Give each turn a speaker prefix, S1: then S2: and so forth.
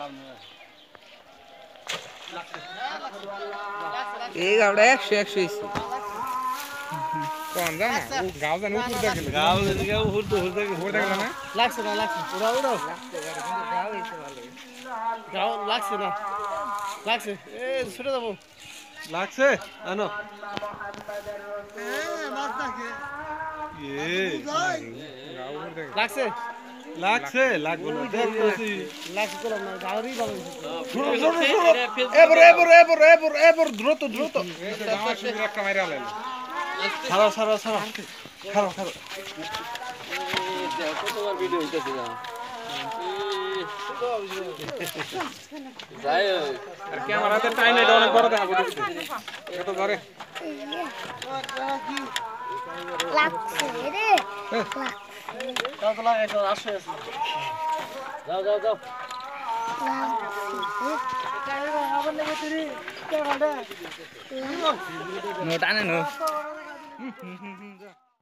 S1: এই গাওটা 100 হইছে
S2: কোন জানা ও গাও জানা উপর দেখে গাও দিকে উপর তো উপর দেখে না
S3: লাগছে না উড়াও উড়াও
S1: লাগতে পারে কিন্তু গাও হইছে ভালো
S3: গাও লাগছে না লাগছে এ ছুটে যাবো
S2: লাগছে আনো এ গাও উপর দেখে
S3: লাগছে
S2: লাগছে লাগবো না দেখতেছি
S3: লাগছে তো না গাওরই ভালো
S2: এবার দ্রুত গাও শিবির একটা মাইরা লাইলো
S3: ছাড়া খারাপ
S4: কতবার ভিডিও হইতেছে না যাই
S2: আর ক্যামেরাতে টাইম এটা অনেক বড় দেখা পড়ছে কত ধরে
S5: লাগছে রে
S3: যাও তো লাগে তো আসে যাও
S1: নো টানে নো